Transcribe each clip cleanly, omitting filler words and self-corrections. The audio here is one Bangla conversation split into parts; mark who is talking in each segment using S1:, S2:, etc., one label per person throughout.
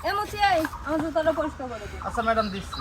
S1: এমসি এই আমার জুতাটা পরিষ্কার করে দিন।
S2: আচ্ছা ম্যাডাম দিচ্ছি।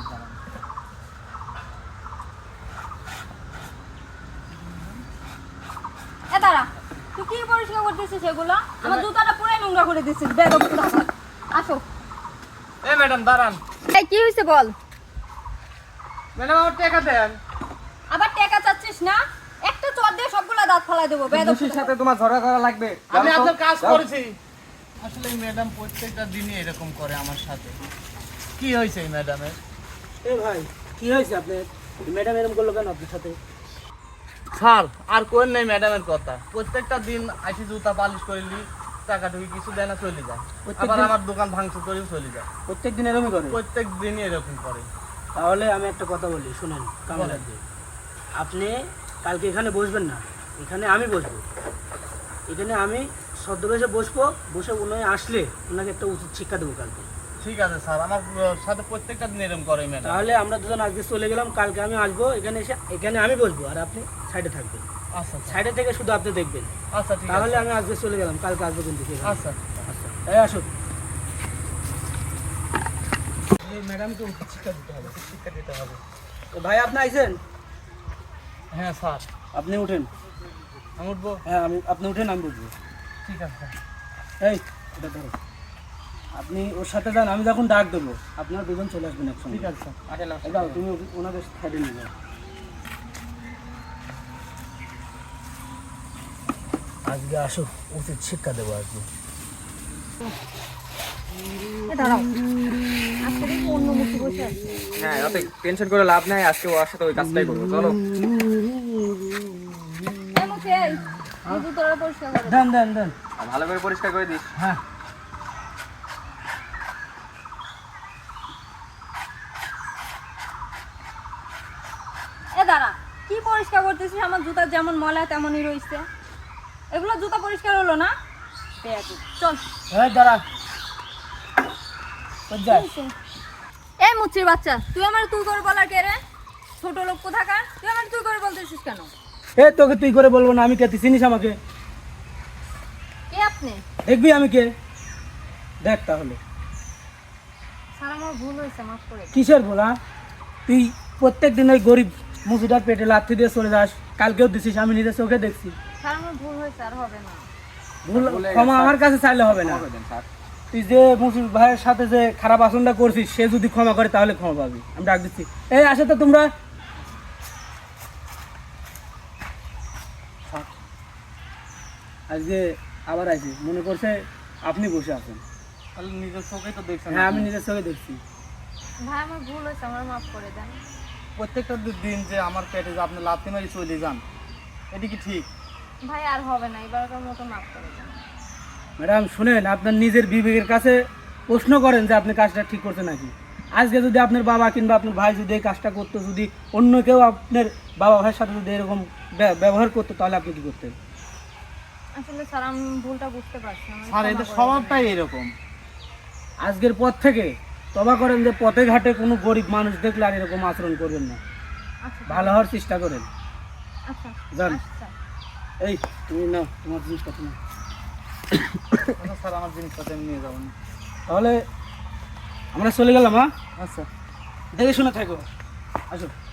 S1: এ দাঁড়া, তুই কি পরিষ্কার করতেছিস সেগুলো? আমার জুতাটা পুরাই নোংরা করে দিছিস। বেদব কোথাকার। আসো।
S2: এ ম্যাডাম দাঁড়ান।
S1: এই কি হইছে বল?
S2: ম্যাডাম আমার টাকা দেন।
S1: আবার টাকা চাচ্ছিস না? একটা চর দিয়ে সবগুলা দাঁত ফালাই দেবো। বেদব
S3: মুসির সাথে তোমার ঝগড়া করা লাগবে।
S2: আমি আপনার কাজ করেছি। আসলে এই ম্যাডাম প্রত্যেকটা দিনই এরকম করে আমার সাথে। কি হয়েছে এই ম্যাডামের?
S3: এ ভাই কি হয়েছে আপনার? ম্যাডাম এরকম করলো কেন আপনার সাথে?
S2: স্যার আর কোন নেই ম্যাডামের কথা। প্রত্যেকটা দিন আসি জুতা পালিশ করিলি, টাকা টুকি কিছু দেয় না, চলে যায়। আবার আমার দোকান ভাঙচুর করেও চলে যায়।
S3: প্রত্যেক দিন এরকমই করে?
S2: প্রত্যেক দিনই এরকম করে।
S3: তাহলে আমি একটা কথা বলি, শুনেন কামাল ভাই, আপনি কালকে এখানে বসবেন না, এখানে আমি বসবো। এখানে আমি ছদ্মবেশে বসবো, বসে উনি আসলে ওনাকে একটা উচিত শিক্ষা দেবো কালকে।
S2: ঠিক আছে স্যার, আমার সাথে প্রত্যেকটা দিন এরকম করে ম্যাডাম।
S3: তাহলে আমরা দুজন আজকে চলে গেলাম, কালকে আমি আসবো, এখানে এসে এখানে আমি বসবো আর আপনি সাইডে থাকবেন।
S2: আচ্ছা
S3: সাইডে থেকে শুধু আপনি দেখবেন।
S2: আচ্ছা ঠিক আছে।
S3: তাহলে আমি আজকে চলে গেলাম, কালকে আসবো কিন্তু।
S2: আচ্ছা
S3: আচ্ছা এই আসুন। ম্যাডামকে উচিত শিক্ষা দিতে হবে।
S2: শিক্ষা দিতে হবে।
S3: তো ভাই আপনি আইছেন?
S2: হ্যাঁ স্যার।
S3: আপনি উঠেন।
S2: আমি উঠবো?
S3: হ্যাঁ আপনি উঠেন, আমি বসবো।
S2: ঠিক আছে স্যার।
S3: এই এটা ধরো, আপনি ওর সাথে যান, আমি যখন ডাক দেবো আপনারা দুজন চলে আসবেন একসঙ্গে।
S2: ঠিক আছে স্যার। আসেন আসেন।
S3: যাও তুমি ওনাদের সাইডে নিয়ে যাও। আজকে আসো, উচিত শিক্ষা দেবো আজকে।
S1: এ দাঁড়াও। আজকে দেখি অন্য মুখে বসে আছে।
S4: হ্যাঁ, অত টেনশন করে লাভ নাই, আজকে ওর সাথে ওই কাজটাই করবো। চলো
S1: এমসি এই আমার জুতাটা পরিষ্কার করে দিন।
S3: দেন দেন দেন।
S4: আর ভালো করে পরিষ্কার করে দিস।
S3: হ্যাঁ
S1: এ দাঁড়া, কি পরিষ্কার করতেছিস? আমার জুতা যেমন ময়লা তেমনই রইছে। এগুলো জুতা পরিষ্কার হলো না? বেয়াদব। চল।
S3: এই দাঁড়া, কই যাস?
S1: এই মুচির বাচ্চা, তুই আমার তুই করে বলার কে রে? ছোট লোক কোথাকার? তুই আমার তুই করে বলতেছিস কেন?
S3: এই তোকে তুই করে বলবো না, আমি কে? তুই চিনিস আমাকে?
S1: কে আপনি?
S3: দেখবি আমি কে, দেখ তাহলে।
S1: স্যার আমার ভুল হয়েছে, মাফ করে দিন।
S3: কিসের বলা? তুই প্রত্যেক দিন ওই গরিব মুসিটার পেটে লাথি দিয়ে চলে যাস, কালকেও দিছিস, আমি নিজের চোখে দেখছি।
S1: স্যার আমার ভুল হয়েছে, আর হবে না।
S3: ভুল ক্ষমা আমার কাছে চাইলে হবে না।
S4: ক্ষমা করে দেন স্যার।
S3: তুই যে মুসির ভাইয়ের সাথে যে খারাপ আচরণটা করছিস, সে যদি ক্ষমা করে তাহলে ক্ষমা পাবি। আমি ডাক দিচ্ছি। এই আসো তো তোমরা। আজকে আবার আইছি, মনে করছে আপনি বসে আছেন।
S2: তাহলে নিজের চোখেই তো দেখছেন।
S3: হ্যাঁ আমি নিজের চোখে দেখছি।
S1: ভাই আমার ভুল হয়েছে, আমার মাফ করে দেন।
S2: প্রত্যেকটা দিন যে আমার পেটে যে আপনি লাথি মারি চলে যান, এটা কি ঠিক?
S1: ভাই আর হবে না, এবারকার মতো মাফ করে দেন।
S3: ম্যাডাম শুনেন, আপনার নিজের বিবেকের কাছে প্রশ্ন করেন যে আপনি কাজটা ঠিক করছেন নাকি। আজকে যদি আপনার বাবা কিংবা আপনার ভাই যদি এই কাজটা করতো, যদি অন্য কেউ আপনার বাবা ভাইয়ের সাথে যদি এরকম ব্যবহার করতো, তাহলে আপনি কি করতেন?
S1: আসলে স্যার আমি ভুলটা বুঝতে পারছি না।
S2: স্যার এদের স্বভাবটাই এরকম।
S3: আজকের পর থেকে তবা করেন যে পথে ঘাটে কোনো গরিব মানুষ দেখলে আর এরকম আচরণ করবেন না,
S1: আচ্ছা
S3: ভালো হওয়ার চেষ্টা করেন।
S1: আচ্ছা
S3: যান।
S1: আচ্ছা।
S3: এই তুমি নাও তোমার জিনিসপত্র নাও।
S2: আচ্ছা স্যার, আমার জিনিসপত্র আমি নিয়ে যাবো।
S3: তাহলে আমরা চলে গেলাম। হ্যাঁ
S2: আচ্ছা।
S3: দেখে শুনে থাকো, আসো।